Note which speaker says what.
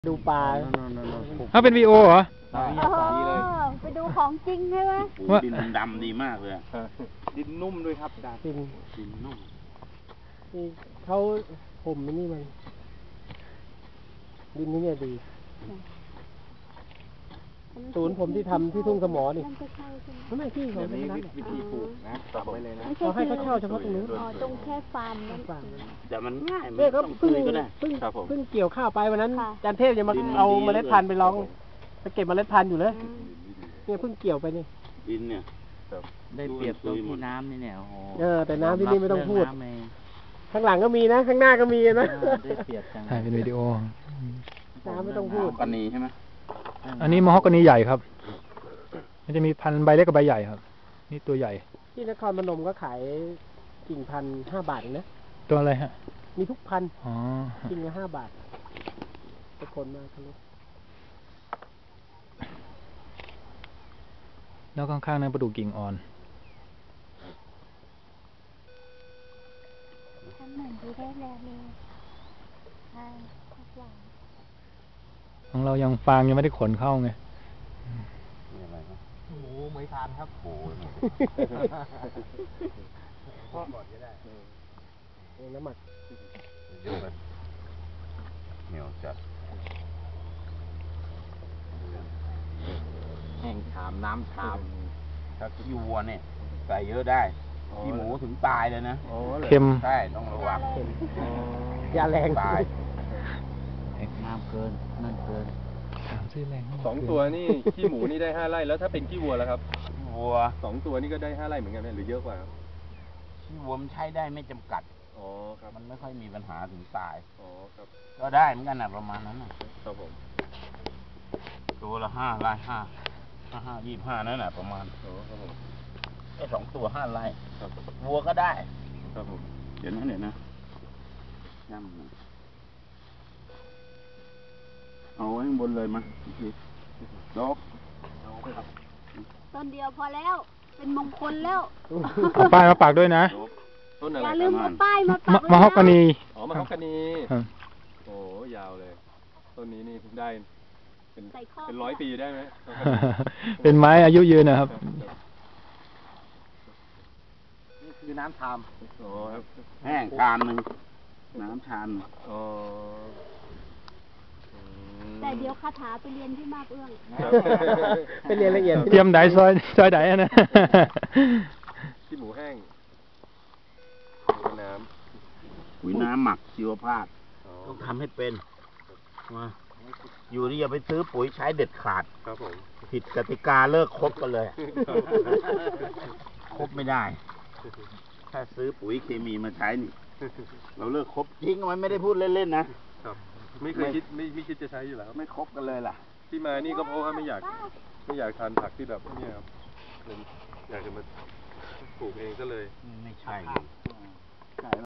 Speaker 1: ดูปลา
Speaker 2: ถ้าเป็นวีโอเหรอ
Speaker 3: ไปดูของจริงใช่ไหม
Speaker 4: ดินดำดีมากเลยดินนุ่มด้วยครับดินนุ่ม
Speaker 1: นี่เขาผมนี่มันดินนี่เนี่ยดีศูนย์ผมที่ทำที่ทุ่งสมอนี่ไม่ที่เขาไม่นัด
Speaker 4: วิธีปลูกนะจำไว้เลยนะ
Speaker 1: เขาให้เขาเช่าเฉพาะตรงนู้น
Speaker 3: ตรงแค่ฟาร์มนั้น
Speaker 4: แต่มันง่ายไม่ต้องคุยก็ได้
Speaker 1: เพิ่งเกี่ยวข้าวไปวันนั้นจันเทพจะมาเอาเมล็ดพันธุ์ไปลองไปเก็บเมล็ดพันธุ์อยู่เลยเนี่ยเพิ่งเกี่ยวไปนี่
Speaker 4: ดินเนี่ย
Speaker 5: ได้เปรียบตรงที่น้ำนี่เนี่ยโอ้โห
Speaker 1: แต่น้ำที่นี่ไม่ต้องพูดข้างหลังก็มีนะข้างหน้าก็มีนะ
Speaker 5: ได้เปรียบจัง
Speaker 2: ถ่ายเป็นวิดีโอ
Speaker 1: น้ำไม่ต้องพูด
Speaker 4: กันนี้ใช่ไหม
Speaker 2: อันนี้มอฮอกกานีใหญ่ครับมันจะมีพันใบเล็กกับใบใหญ่ครับนี่ตัวใหญ่
Speaker 1: ที่นครพนมก็ขายกิ่งพัน5 บาทเองนะ
Speaker 2: ตัวอะไรฮะ
Speaker 1: มีทุกพัน
Speaker 2: อ๋อ
Speaker 1: กิ่งละ5 บาทตะคนมาทะลุ
Speaker 2: แล้วข้างๆนั้นประดู่กิ่งอ่อนของเรายังฟางยังไม่ได้ขนเข้าไง
Speaker 1: โอ้โหไม่ทานครับโอ้ยพ่อก่อนก็ได้น้ำหมัก
Speaker 4: เยอะเลยเหนียวจัดแห้งชามน้ำชามถ้าขี้วัวเนี่ยใส่เยอะได้ขี้หมูถึงตายเลยนะ
Speaker 2: เค็ม
Speaker 4: ใช่ต้องระวัง
Speaker 1: ยาแรง
Speaker 4: ตาย
Speaker 5: น้ำเกินนั่นเกิน
Speaker 6: 2 ตัวนี่ขี้หมูนี่ได้5 ไร่แล้วถ้าเป็นขี้วัวแล้วครับ
Speaker 4: วัว
Speaker 6: 2 ตัวนี่ก็ได้5 ไร่เหมือนกันไหมหรือเยอะกว่าครับ
Speaker 4: ขี้วัวมันใช้ได้ไม่จำกัด
Speaker 6: อ๋อครับ
Speaker 4: มันไม่ค่อยมีปัญหาถึงตาย
Speaker 6: อ๋อครับ
Speaker 4: ก็ได้เหมือนกันนะประมาณนั้น
Speaker 6: ครับผม
Speaker 4: ตัวละ5 ไร่25นั่นแหละประมาณ
Speaker 6: อ๋อครับผม
Speaker 4: ไอ้2 ตัว5 ไร่วัวก็ได้
Speaker 6: ครับผม
Speaker 4: เดี๋ยวนะย่ำเอาไว้ข้างบนเลยมั้ยดอก
Speaker 3: ต้นเดียวพอแล้วเป็นมงคลแล้ว
Speaker 2: เอาป้ายมาปักด้วยนะ
Speaker 6: ต้นอะไร
Speaker 3: อย่าลืมเอาป้ายมาปัก
Speaker 2: มะฮอกกานี
Speaker 6: อ๋อมะฮอกกานีโอ้ยาวเลยต้นนี้นี่ได้เป็น100 ปีได้ไหม
Speaker 2: เป็นไม้อายุยืนนะครับ
Speaker 1: นี่คือน้ำชาม
Speaker 6: อ๋อครับ
Speaker 4: แห้งชามนึงน้ำชาม
Speaker 6: อ๋อ
Speaker 3: แต่เดี๋ยวคาถาไปเรียนที่มาบเอื้อง
Speaker 1: ไปเรียนละเอียด
Speaker 2: เตรียมไดซอยไดนะ
Speaker 6: ขี้หมูแห้งน้
Speaker 4: ำปุ๋ยน้ำหมักชีวภาพต้องทำให้เป็นว่าอยู่นี่อย่าไปซื้อปุ๋ยใช้เด็ดขาด
Speaker 6: ครับผม
Speaker 4: ผิดกติกาเลิกคบกันเลยคบไม่ได้ถ้าซื้อปุ๋ยเคมีมาใช้นี่เราเลิกคบจริงมันไม่ได้พูดเล่นๆนะครับ
Speaker 6: ไม่เคยคิดไม่คิดจะใช้อยู่แล้ว
Speaker 4: ไม่คบกันเลยล่ะ
Speaker 6: ที่มานี่ก็เพราะว่าไม่อยากทานผักที่แบบนี้ครับอยากจะมาปลูกเองก็เลย
Speaker 4: ไม่ใช่